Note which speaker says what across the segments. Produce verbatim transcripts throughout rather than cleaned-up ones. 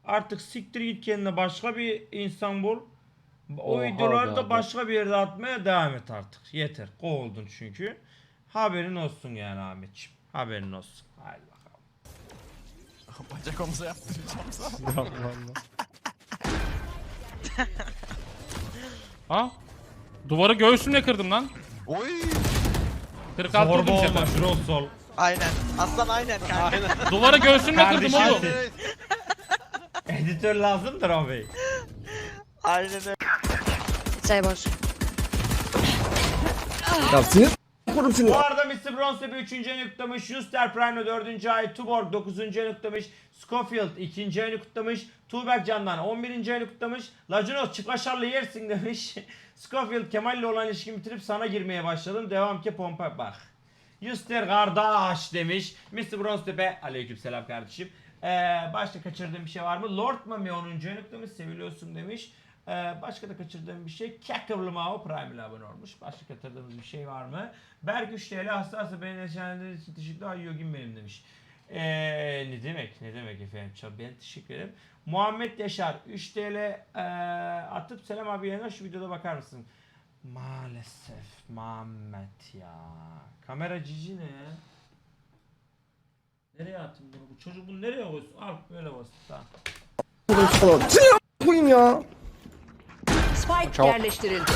Speaker 1: Artık siktir git kendine başka bir insan bul. O
Speaker 2: Oha
Speaker 1: videoları
Speaker 2: be
Speaker 1: da
Speaker 2: abi.
Speaker 1: başka bir yerde atmaya devam et artık. Yeter. Kovuldun çünkü. Haberin olsun yani Ahmetciğim. Haberin olsun. Haydi bakalım.
Speaker 3: Bacak omuza yaptıracağım sana.
Speaker 2: Allah Allah. Ha? Duvarı göğsümle kırdım lan.
Speaker 3: Oy.
Speaker 2: kırk altı
Speaker 1: Zorba
Speaker 2: vurdum
Speaker 1: olma
Speaker 2: sefer.
Speaker 1: Jurol sol.
Speaker 4: Aynen. Aslan aynen kanka.
Speaker 2: Duvarı göğsümle kırdım
Speaker 1: Kardeşim.
Speaker 2: oğlum.
Speaker 3: Evet.
Speaker 1: Editör lazımdır o bey.
Speaker 4: Aynen öyle.
Speaker 5: Say boş.
Speaker 6: Ya sinir kurum seni.
Speaker 1: Bu arada mister Bronzetepe üçüncü ayını kutlamış, Juster Prime dördüncü ay, Tuborg dokuzuncu ayını kutlamış, Scofield ikinci ayını kutlamış, Tuğberk Candan on birinci ayını kutlamış, Lacunos çıklaşarlı yersin demiş. Scofield Kemal'le olan ilişkimi bitirip sana girmeye başladım, devam ki pompa bak. Juster kardeş demiş, mister Bronzetepe aleykümselam kardeşim. Ee, başka kaçırdığım bir şey var mı? Lord Mami onuncu ayını kutlamış, seviliyorsun demiş. Ee, başka da kaçırdığım bir şey. Kakavlı Mao Prime ile abone olmuş. Başka kaçırdığımız bir şey var mı? Berk üç T L hastası beni neşelendirdiğiniz için teşekkürler. Ay yogim benim demiş. Ee, ne demek? Ne demek efendim? Çok ben teşekkür ederim. Muhammed Yaşar üç T L ee, atıp selam abi yayına şu videoda bakar mısın? Maalesef Muhammed ya. Kamera cici ne? Nereye attın bunu? Bu çocuk bunu nereye koysun? Al böyle basit. Tamam.
Speaker 6: Sinir koyayım ya.
Speaker 5: Spike yerleştirildi.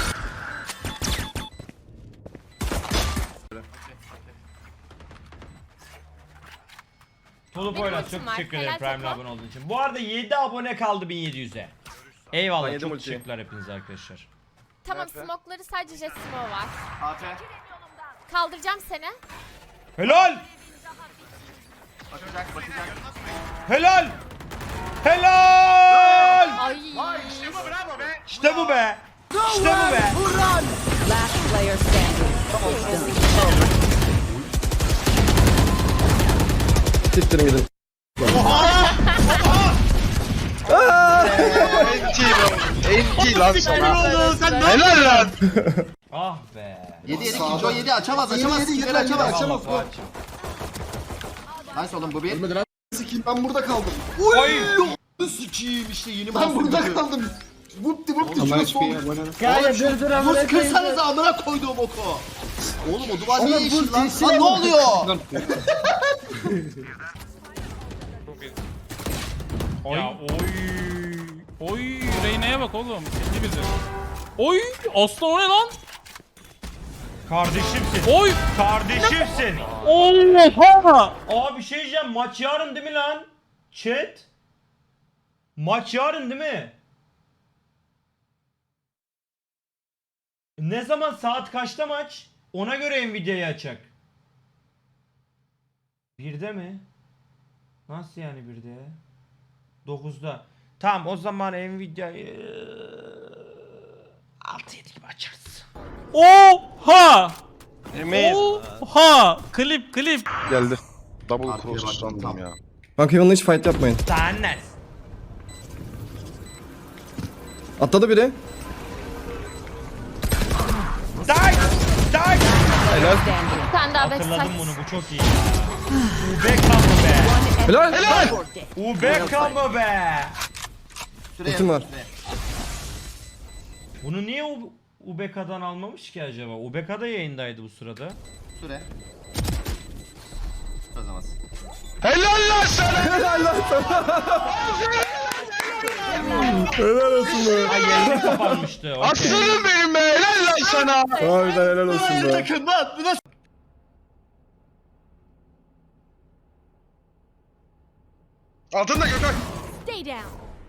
Speaker 1: Tolu
Speaker 7: Benim
Speaker 1: Poyraz
Speaker 7: ultim
Speaker 1: çok
Speaker 7: var.
Speaker 1: teşekkür ederim
Speaker 7: Helal
Speaker 1: Prime'le
Speaker 7: Toko.
Speaker 1: abone olduğun için. Bu arada yedi abone kaldı bin yedi yüze. Eyvallah
Speaker 6: Ben yedim
Speaker 1: çok
Speaker 6: ultiyi.
Speaker 1: teşekkürler hepinize arkadaşlar.
Speaker 7: Tamam smoke'ları sadece jet smoke var. Kaldıracağım seni.
Speaker 1: Helal! Helal! Helal!
Speaker 7: Ay.
Speaker 1: İşte bu be! İşte bu be!
Speaker 5: Last player standing.
Speaker 6: Siktirin gidin.
Speaker 3: Enti lan sana. Helal lan.
Speaker 1: Ah be!
Speaker 8: yedi yedi ikinci o yedi açamaz açamaz sikleri açamaz.
Speaker 1: Açamaz Fuat'cığım.
Speaker 8: Nice oğlum bu bir.
Speaker 6: Ölmedi lan. Sikeyim ben burada kaldım.
Speaker 1: Oy!
Speaker 8: Sikiyim işte yeni
Speaker 6: Ben
Speaker 8: mahsul
Speaker 6: burada
Speaker 8: gibi.
Speaker 6: kaldım. Vupti vupti şurası oldu.
Speaker 8: Oğlum dur dur amına kırsanıza amına koyduğum oku. Oğlum o duvar niye yeşil lan? Lan ne oluyor?
Speaker 2: Ya oy. Oy Reyna'ya bak oğlum. Sildi bizi. Oy aslan o ne lan?
Speaker 1: Kardeşimsin.
Speaker 2: Oy.
Speaker 1: Kardeşimsin.
Speaker 2: Oha.
Speaker 1: Aa bir şey diyeceğim. Maç yarın değil mi lan? Chat. Maç yarın değil mi? Ne zaman saat kaçta maç? Ona göre Nvidia'yı açacak. Birde mi? Nasıl yani birde? Dokuzda. Tamam o zaman Nvidia'yı altı yedi gibi açarız.
Speaker 2: Oha.
Speaker 3: Emir.
Speaker 2: Oha. Klip klip.
Speaker 3: Geldi. Double
Speaker 8: Arkaya
Speaker 3: cross
Speaker 8: bak,
Speaker 3: sandım
Speaker 8: tamam.
Speaker 3: ya.
Speaker 6: Bak Heaven'la hiç fight yapmayın.
Speaker 1: Tannes.
Speaker 6: Atladı biri.
Speaker 1: Die! Die!
Speaker 7: Bir tane daha
Speaker 1: Hatırladım
Speaker 7: backside.
Speaker 1: bunu bu çok iyi. Ubeka mı be?
Speaker 6: Helal. Helal.
Speaker 1: Ubeka mı be?
Speaker 8: Süre
Speaker 6: Ultim var.
Speaker 8: süre.
Speaker 1: Bunu niye U- Ubeka'dan almamış ki acaba? Ubeka da yayındaydı bu sırada.
Speaker 8: Süre. Çözemez.
Speaker 3: Helal lan sana.
Speaker 6: Helal lan sana. Helal olsun be.
Speaker 1: Ay yayını kapanmıştı. okey.
Speaker 3: Aslanım benim be. Helal lan sana.
Speaker 6: Harbiden helal olsun be.
Speaker 8: Takım lan bu nasıl?
Speaker 3: Altında Gökhan.
Speaker 7: Stay down.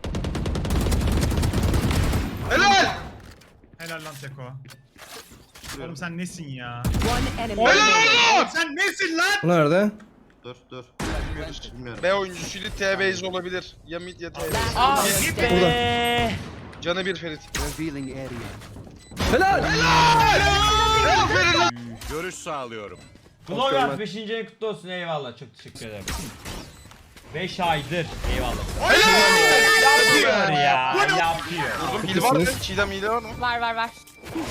Speaker 3: Helal.
Speaker 9: Helal lan Teko. Oğlum sen nesin ya?
Speaker 5: One enemy
Speaker 3: Helal
Speaker 5: remaining.
Speaker 3: lan.
Speaker 9: Sen nesin lan?
Speaker 6: Bu nerede?
Speaker 8: Dur dur. Bilmiyorum.
Speaker 3: B oyuncusuydu T-base olabilir. Ya mid ya T-base.
Speaker 1: Ah be.
Speaker 3: Canı bir Ferit.
Speaker 6: Helal.
Speaker 3: Aferin lan.
Speaker 10: Görüş sağlıyorum.
Speaker 1: Vlogger beşinci ayın kutlu olsun eyvallah çok teşekkür ederim. beş aydır eyvallah. Yapıyor ya yapıyor.
Speaker 3: Vurdum. Hile var mı? Çiğdem hile var mı?
Speaker 7: Var var var.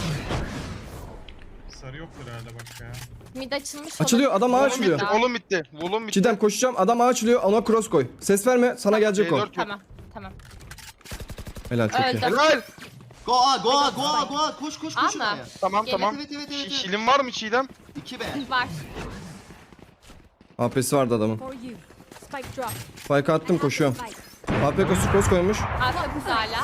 Speaker 9: Sarı yoktur herhalde bak ya.
Speaker 7: Mid açılmış.
Speaker 6: Açılıyor adam ağa
Speaker 3: Volum
Speaker 6: açılıyor.
Speaker 3: bitti. Volum bitti. Volum bitti.
Speaker 6: Çiğdem koşacağım adam ağa açılıyor ona cross koy. Ses verme sana gelecek o.
Speaker 3: C dört yok.
Speaker 7: Tamam. Tamam.
Speaker 6: Helal çok iyi.
Speaker 7: Öldü.
Speaker 3: Helal.
Speaker 8: Goa goa goa goa koş koş koş
Speaker 7: Ama.
Speaker 8: oraya.
Speaker 3: Tamam
Speaker 7: Gelin.
Speaker 3: tamam.
Speaker 8: Evet evet evet.
Speaker 3: Şi-
Speaker 8: evet.
Speaker 3: Şilim var mı Çiğdem?
Speaker 8: iki be.
Speaker 7: Var.
Speaker 6: A P'si vardı adamın.
Speaker 5: For you. Spike drop.
Speaker 6: Spike attım koşuyorum. A P kosu cross koymuş.
Speaker 7: Arka kız hala.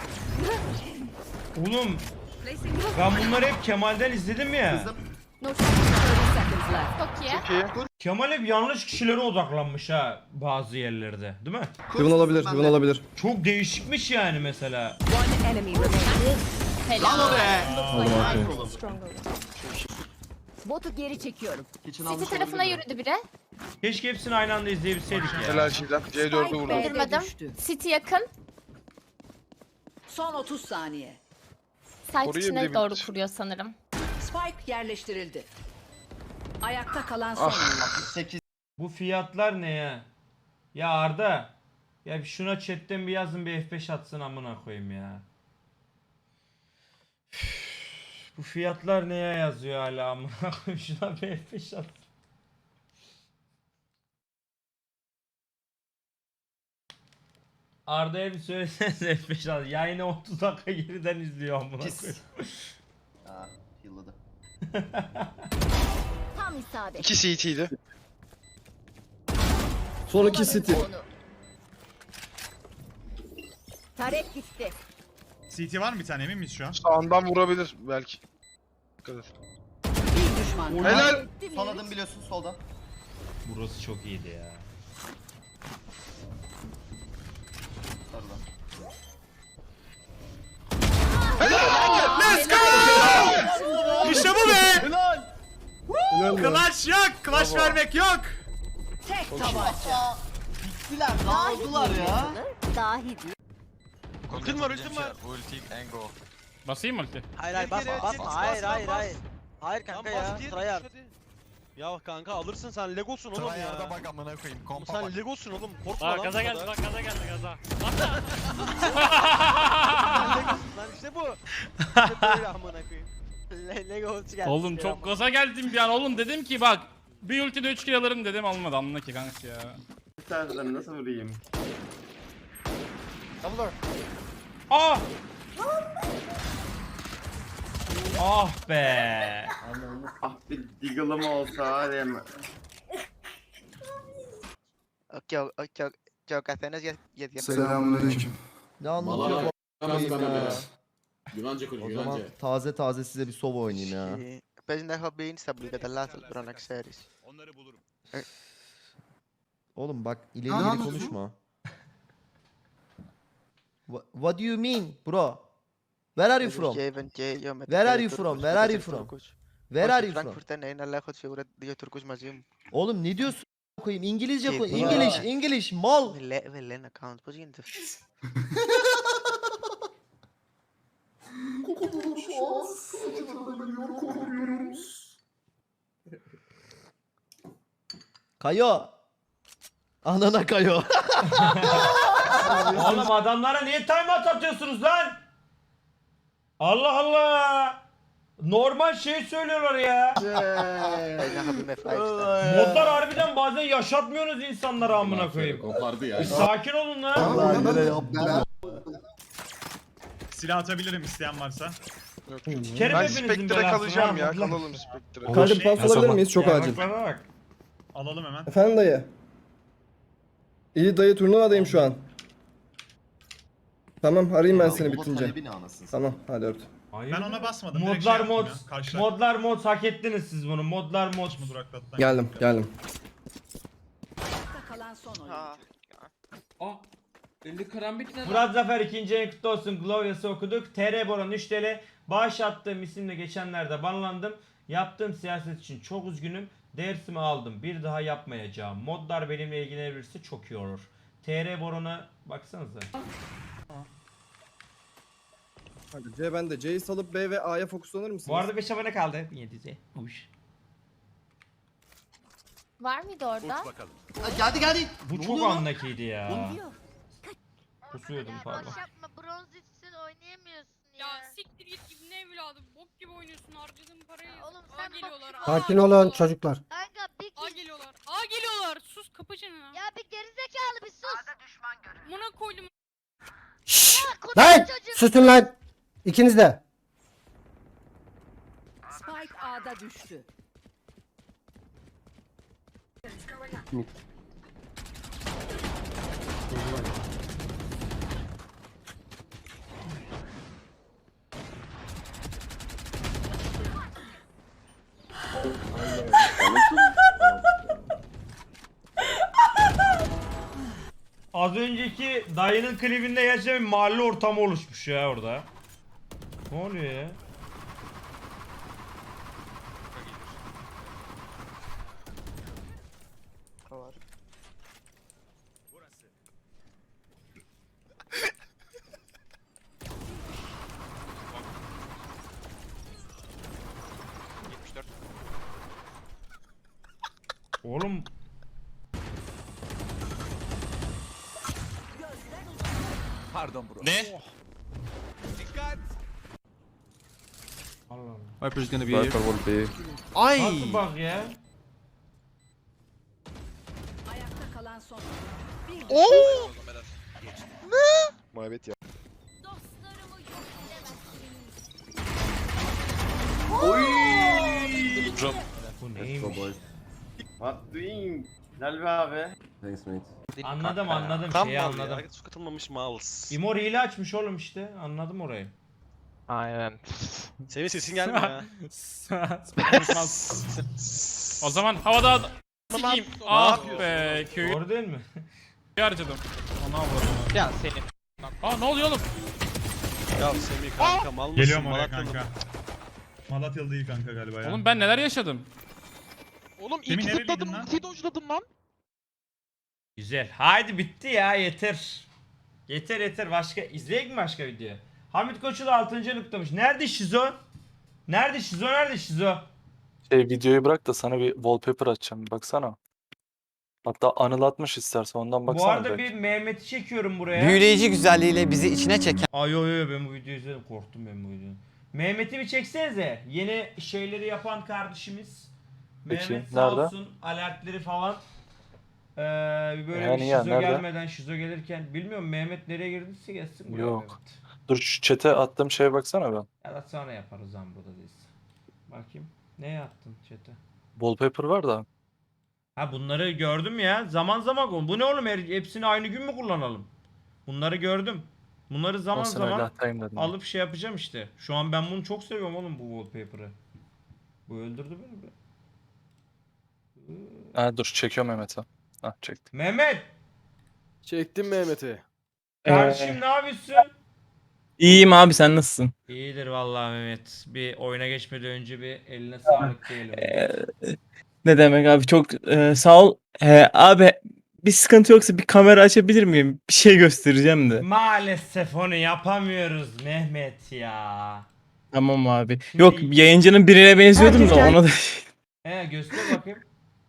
Speaker 1: Oğlum ben bunları hep Kemal'den izledim ya.
Speaker 8: Kızım.
Speaker 5: No thirty seconds left.
Speaker 7: Çok iyi.
Speaker 3: Çok iyi.
Speaker 1: Kemal hep yanlış kişilere odaklanmış ha bazı yerlerde, değil mi?
Speaker 6: Heaven olabilir,
Speaker 8: Ben
Speaker 6: Heaven
Speaker 8: de.
Speaker 6: olabilir.
Speaker 1: Çok değişikmiş yani mesela.
Speaker 5: One enemy remaining.
Speaker 8: Lan o
Speaker 7: Helal.
Speaker 8: be.
Speaker 6: Aldım A P'yi.
Speaker 5: Stronger. Botu geri çekiyorum.
Speaker 8: Kitchen
Speaker 7: City
Speaker 8: almış
Speaker 7: tarafına
Speaker 8: olabilir mi?
Speaker 7: yürüdü biri.
Speaker 1: Keşke hepsini aynı anda izleyebilseydik ya.
Speaker 3: Helal Çiğdem. C dördü
Speaker 5: Spike
Speaker 3: vurdu.
Speaker 5: B'de
Speaker 7: Görmedim.
Speaker 5: düştü.
Speaker 7: City yakın.
Speaker 5: Son otuz saniye.
Speaker 7: Site
Speaker 3: Orayı
Speaker 7: içine
Speaker 3: bile
Speaker 7: doğru
Speaker 3: bitir.
Speaker 7: kuruyor sanırım.
Speaker 5: Spike yerleştirildi. Ayakta kalan son
Speaker 3: Ah.
Speaker 5: oyuncu.
Speaker 8: sekiz.
Speaker 1: Bu fiyatlar ne ya? Ya Arda. Ya bir şuna chatten bir yazın bir F beş atsın amına koyayım ya. Üf, bu fiyatlar neye yazıyor hala amına koyayım, şuna bir F beş at. Arda'ya bir söylesenize F beş at. Yayını otuz dakika geriden izliyor amına
Speaker 8: Pis.
Speaker 1: koyayım.
Speaker 8: Aa, yılladı.
Speaker 5: Tam isabet.
Speaker 3: İki C T'ydi.
Speaker 6: Son iki City.
Speaker 5: Tarek gitti.
Speaker 9: C T var mı bir tane, emin miyiz şu an?
Speaker 3: Sağından vurabilir belki. Dikkat et.
Speaker 5: Bir düşman kaldı.
Speaker 3: Helal.
Speaker 8: Son adım biliyorsun soldan.
Speaker 1: Burası çok iyiydi ya.
Speaker 8: Sarıdan.
Speaker 9: İşte bu be!
Speaker 8: Helal.
Speaker 6: Helal mi?
Speaker 9: Clutch yok, clutch vermek yok.
Speaker 5: Tek tabanca.
Speaker 8: Bittiler. Dağıldılar ya.
Speaker 5: Dahi değil.
Speaker 4: Ultim var ultim var.
Speaker 2: Basayım mı ulti?
Speaker 4: Hayır hayır basma basma. Hayır hayır hayır. Hayır kanka ya. Tryhard.
Speaker 10: Ya kanka alırsın sen Legosun oğlum ya.
Speaker 3: bak amına koyayım.
Speaker 10: Sen Legosun oğlum. Korkma
Speaker 2: Bak
Speaker 10: lan.
Speaker 2: gaza
Speaker 10: bu
Speaker 2: geldi
Speaker 10: kadar.
Speaker 2: bak gaza geldi gaza.
Speaker 10: Sen Legosun lan işte bu. İşte böyle amına koyayım.
Speaker 4: Le Lego ulti geldi.
Speaker 2: Oğlum çok gaza geldim bir an oğlum dedim ki bak bir ultide üç kill alırım dedim almadı anla ki kanka ya.
Speaker 6: Nasıl vurayım?
Speaker 1: Ah! Ah be!
Speaker 6: Ah bir Deagle'ım olsa hadi hemen.
Speaker 4: Okey okey okey kaseniz yet yet.
Speaker 8: Selamünaleyküm.
Speaker 11: Ne anlatıyor bu a**ayım ya?
Speaker 10: Güvence konuş
Speaker 11: O zaman taze taze size bir sova oynayayım ya.
Speaker 4: Pes na hobby sa bliga dalla sa Bronax series.
Speaker 11: Oğlum bak ileri
Speaker 8: Ne
Speaker 11: geri
Speaker 8: anlatıyorsun?
Speaker 11: konuşma. Wha- What do you mean bro? Where are you from? Where are you from? Where are you from? Where are you from?
Speaker 4: Frankfurt'tan en Allah khud figura diye Turkuş mazim.
Speaker 11: Oğlum ne diyorsun a**a koyayım? İngilizce
Speaker 4: Şey,
Speaker 11: koy.
Speaker 4: bro.
Speaker 11: English, English, mal.
Speaker 4: Velle velle na account po gente.
Speaker 11: Kayo. Anana kayo.
Speaker 1: Oğlum adamlara niye timeout atıyorsunuz lan? Allah Allah! Normal şey söylüyorlar ya.
Speaker 4: Na hobby me five star.
Speaker 1: Modlar harbiden bazen yaşatmıyorsunuz insanlara amına koyayım.
Speaker 10: Kopardı ya.
Speaker 1: Bir sakin olun lan.
Speaker 11: Allah yine yaptı.
Speaker 9: Silah atabilirim isteyen varsa.
Speaker 1: Sikerim
Speaker 3: Ben
Speaker 1: hepinizin
Speaker 3: Spectre'e
Speaker 1: belasını,
Speaker 3: kalacağım
Speaker 1: ha,
Speaker 3: ya.
Speaker 1: Allah.
Speaker 3: Kalalım Spectre'e.
Speaker 6: Kanka pas alabilir miyiz? Çok
Speaker 1: Ya
Speaker 6: acil.
Speaker 1: bak bana bak.
Speaker 9: Alalım hemen.
Speaker 6: Efendim dayı. İyi dayı turnuvadayım şu an. Tamam arayayım ben seni
Speaker 8: Baba
Speaker 6: bitince.
Speaker 8: talebi ne anasını?
Speaker 6: Tamam hadi öptüm.
Speaker 1: Hayır.
Speaker 9: Ben ona basmadım. direkt
Speaker 1: Modlar
Speaker 9: şey
Speaker 1: mod.
Speaker 9: yaptım ya, karşılar.
Speaker 1: Modlar mod hak ettiniz siz bunu. Modlar mod.
Speaker 9: mu duraklattan?
Speaker 6: Geldim geldim.
Speaker 5: Ayakta kalan son oyuncu.
Speaker 10: elli karambit ne
Speaker 1: Murat Zafer ikinci en kutlu olsun. Glorious'ı okuduk. T R Boran üç T L. Bağış attığım isimle geçenlerde banlandım. Yaptığım siyaset için çok üzgünüm. Dersimi aldım. Bir daha yapmayacağım. Modlar benimle ilgilenebilirse çok iyi olur. T R Boran'a baksanıza.
Speaker 6: Hadi C bende. C'yi salıp B ve A'ya fokuslanır mısınız?
Speaker 1: Bu arada beş abone kaldı. yedi yüze. Uş.
Speaker 7: Var mıydı orada?
Speaker 8: Ha, geldi geldi.
Speaker 1: Bu
Speaker 8: Ne
Speaker 1: çok
Speaker 8: oluyor lan?
Speaker 1: andakiydi ya. Kusuyordum pardon.
Speaker 7: yapma bronz için oynayamıyorsun Ya siktir git gibi ne evladım bok gibi oynuyorsun harcadığın parayı. Oğlum
Speaker 5: sen
Speaker 7: geliyorlar.
Speaker 6: Sakin olun çocuklar.
Speaker 7: Kanka bir A geliyorlar. A geliyorlar. Sus kapı çeneni. Ya bir gerizekalı bir sus. A'da düşman görüldü. Buna koydum.
Speaker 11: Lan susun lan. İkiniz de.
Speaker 5: Spike A'da düştü.
Speaker 1: Az önceki dayının klibinde gerçekten bir mahalle ortamı oluşmuş ya orada. Ne oluyor ya? Oğlum
Speaker 2: Ne?
Speaker 1: Allah Allah.
Speaker 2: Viper's gonna be here.
Speaker 1: Nasıl bak ya?
Speaker 5: Ayakta kalan son. Bir
Speaker 3: Oo! Muhabbet ya.
Speaker 7: Dostlarımı yok
Speaker 1: Bu neymiş?
Speaker 10: What doing? Güzel be abi.
Speaker 1: Anladım anladım şeyi anladım.
Speaker 10: Su katılmamış mouse.
Speaker 1: İmor hile açmış oğlum işte. Anladım orayı.
Speaker 10: Aynen. Senin sesin gelmiyor ya.
Speaker 2: O zaman havada ad- Sikeyim. Ah be köyü
Speaker 1: Doğru değil mi?
Speaker 2: harcadım. Ana avradım.
Speaker 10: Ya senin.
Speaker 2: Aa ne oluyor oğlum?
Speaker 10: Ya Semih kanka mal mısın?
Speaker 9: Geliyorum oraya
Speaker 10: Malatyalı
Speaker 9: kanka. Malatyalı değil kanka galiba ya.
Speaker 2: Oğlum ben neler yaşadım?
Speaker 10: Oğlum
Speaker 9: Semih
Speaker 10: ilk
Speaker 9: nereliydin
Speaker 10: zıpladım,
Speaker 9: lan?
Speaker 10: ultiyi dojladım lan.
Speaker 1: Güzel. Haydi bitti ya yeter. Yeter yeter. Başka izleyek mi başka video? Hamit Koçu da altıncı noktamış. Nerede Şizo? Nerede Şizo? Nerede Şizo?
Speaker 12: Şey videoyu bırak da sana bir wallpaper açacağım. Baksana. Hatta Anıl atmış istersen ondan baksana.
Speaker 1: Bu arada
Speaker 12: belki.
Speaker 1: bir Mehmet'i çekiyorum buraya.
Speaker 11: Büyüleyici güzelliğiyle bizi içine çeken.
Speaker 1: Ay yo yo ben bu videoyu izledim. Korktum ben bu videoyu. Mehmet'i bir çeksenize. Yeni şeyleri yapan kardeşimiz.
Speaker 12: Peki,
Speaker 1: Mehmet sağ
Speaker 12: nerede?
Speaker 1: olsun. Alertleri falan. Ee, bir böyle
Speaker 12: Yani
Speaker 1: bir
Speaker 12: ya,
Speaker 1: şizo
Speaker 12: nerede?
Speaker 1: gelmeden şizo gelirken. Bilmiyorum Mehmet nereye girdiyse gelsin buraya
Speaker 12: Yok.
Speaker 1: Mehmet.
Speaker 12: Dur şu chat'e attığım şeye baksana ben.
Speaker 1: Ya da sonra yaparız lan burada değilse. Bakayım. Ne yaptın chat'e?
Speaker 12: Wallpaper var da.
Speaker 1: Ha bunları gördüm ya. Zaman zaman kul- bu ne oğlum? Her- Hepsini aynı gün mü kullanalım? Bunları gördüm. Bunları zaman
Speaker 12: on sene öyle
Speaker 1: zaman
Speaker 12: atayım dedim.
Speaker 1: alıp şey yapacağım işte. Şu an ben bunu çok seviyorum oğlum bu wallpaper'ı. Bu öldürdü beni be.
Speaker 12: Ha, dur çekiyorum Mehmet'e. Ha çektim.
Speaker 1: Mehmet!
Speaker 6: Çektim Mehmet'i.
Speaker 1: Kardeşim ne yapıyorsun?
Speaker 2: İyiyim abi sen nasılsın?
Speaker 1: İyidir vallahi Mehmet. Bir oyuna geçmeden önce bir eline sağlık diyelim.
Speaker 2: Ne demek abi çok e, sağ ol. E, abi bir sıkıntı yoksa bir kamera açabilir miyim? Bir şey göstereceğim de.
Speaker 1: Maalesef onu yapamıyoruz Mehmet ya.
Speaker 2: Tamam abi. Yok yayıncının birine benziyordum da ona da.
Speaker 1: He göster bakayım.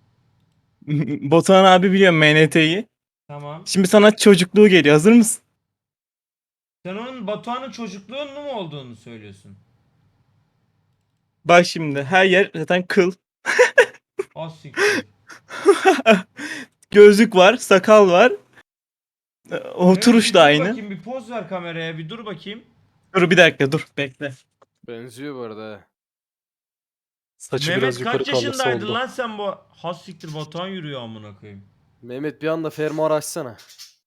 Speaker 2: Batuhan abi biliyorum M N T'yi.
Speaker 1: Tamam.
Speaker 2: Şimdi sana çocukluğu geliyor. Hazır mısın?
Speaker 1: Sen onun Batuhan'ın çocukluğunun mu olduğunu söylüyorsun?
Speaker 2: Bak şimdi her yer zaten kıl.
Speaker 1: O siktir.
Speaker 2: Gözlük var, sakal var. E, Oturuş
Speaker 1: Bir
Speaker 2: da
Speaker 1: dur
Speaker 2: aynı.
Speaker 1: Bakayım, bir poz ver kameraya bir dur bakayım.
Speaker 2: Dur bir dakika dur bekle.
Speaker 6: Benziyor bu arada.
Speaker 12: Saçı
Speaker 1: Mehmet
Speaker 12: biraz yukarı
Speaker 1: kaç
Speaker 12: kaldı
Speaker 1: yaşındaydın
Speaker 12: soldu.
Speaker 1: lan sen bu? Has siktir Batuhan yürüyor amına koyayım.
Speaker 6: Mehmet bir anda fermuar açsana.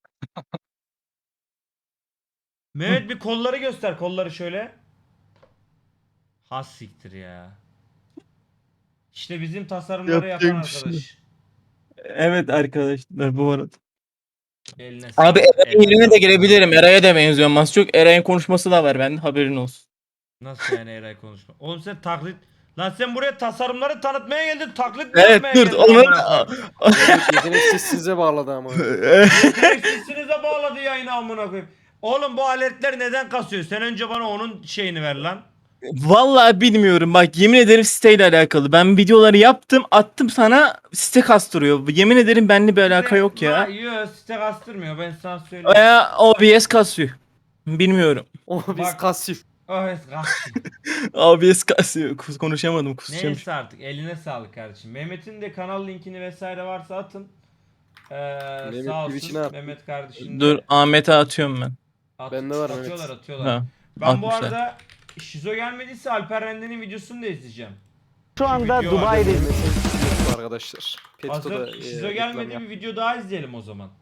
Speaker 1: Mehmet bir kolları göster kolları şöyle. Has siktir ya. İşte bizim tasarımları
Speaker 2: Yapacak
Speaker 1: yapan
Speaker 2: bir şey
Speaker 1: arkadaş.
Speaker 2: Evet arkadaşlar bu arada.
Speaker 1: Eline
Speaker 2: Abi
Speaker 1: sağlık,
Speaker 2: Eray'ın
Speaker 1: eline
Speaker 2: yerine de
Speaker 1: sağlık.
Speaker 2: gelebilirim. Eray'a da benziyorum az çok. Eray'ın konuşması da var bende haberin olsun.
Speaker 1: Nasıl yani Eray konuşma? Oğlum sen taklit... Lan sen buraya tasarımları tanıtmaya geldin taklit mi
Speaker 2: Evet
Speaker 1: yapmaya
Speaker 2: dur
Speaker 1: geldin
Speaker 2: onu...
Speaker 1: amına koyayım?
Speaker 6: Mehmet yeteneksiz size bağladı ama.
Speaker 1: Yeteneksizsinize bağladı yayını amına koyayım. Oğlum bu aletler neden kasıyor? Sen önce bana onun şeyini ver lan.
Speaker 2: Vallahi bilmiyorum bak yemin ederim siteyle alakalı. Ben videoları yaptım attım sana site kastırıyor. Yemin ederim benimle bir alaka yok ya.
Speaker 1: Yok site kastırmıyor ben sana söyleyeyim.
Speaker 2: Veya O B S kasıyor. Bilmiyorum.
Speaker 6: O biz
Speaker 1: Bak.
Speaker 6: kasif.
Speaker 1: Oh, evet, kastırıyor.
Speaker 2: O B S kasıyor. Kus- Konuşamadım kusacağım.
Speaker 1: Neyse artık eline sağlık kardeşim. Mehmet'in de kanal linkini vesaire varsa atın. Ee,
Speaker 6: Mehmet
Speaker 1: sağ
Speaker 6: Twitch'ine
Speaker 1: olsun
Speaker 6: at.
Speaker 1: Mehmet kardeşim. de-
Speaker 2: Dur Ahmet'e atıyorum ben.
Speaker 1: At,
Speaker 6: Bende var, evet.
Speaker 1: atıyorlar atıyorlar.
Speaker 2: Ha,
Speaker 1: Ben bu
Speaker 2: atmışlar.
Speaker 1: arada Şizo gelmediyse Alper Rende'nin videosunu da izleyeceğim.
Speaker 10: Şu anda
Speaker 1: video var.
Speaker 10: Dubai'deyiz.
Speaker 6: Arkadaşlar.
Speaker 1: Hazır Şizo gelmedi bir video daha izleyelim o zaman.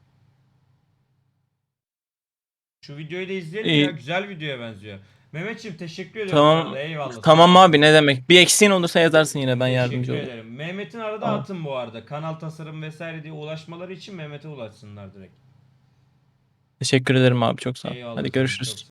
Speaker 1: Şu videoyu da izleyelim
Speaker 2: İyi.
Speaker 1: ya, güzel videoya benziyor. Mehmetciğim teşekkür ediyorum.
Speaker 2: Tamam.
Speaker 1: bu arada, Eyvallah.
Speaker 2: Tamam abi, ne demek. Bir eksiğin olursa yazarsın yine, ben yardımcı
Speaker 1: Teşekkür
Speaker 2: olurum.
Speaker 1: ederim. Mehmet'in arada
Speaker 2: Tamam.
Speaker 1: atın bu arada. Kanal tasarım vesaire diye ulaşmaları için Mehmet'e ulaşsınlar direkt.
Speaker 2: Teşekkür ederim abi, çok sağ ol.
Speaker 1: Eyvallah
Speaker 2: Hadi
Speaker 1: canım,
Speaker 2: görüşürüz.
Speaker 1: çok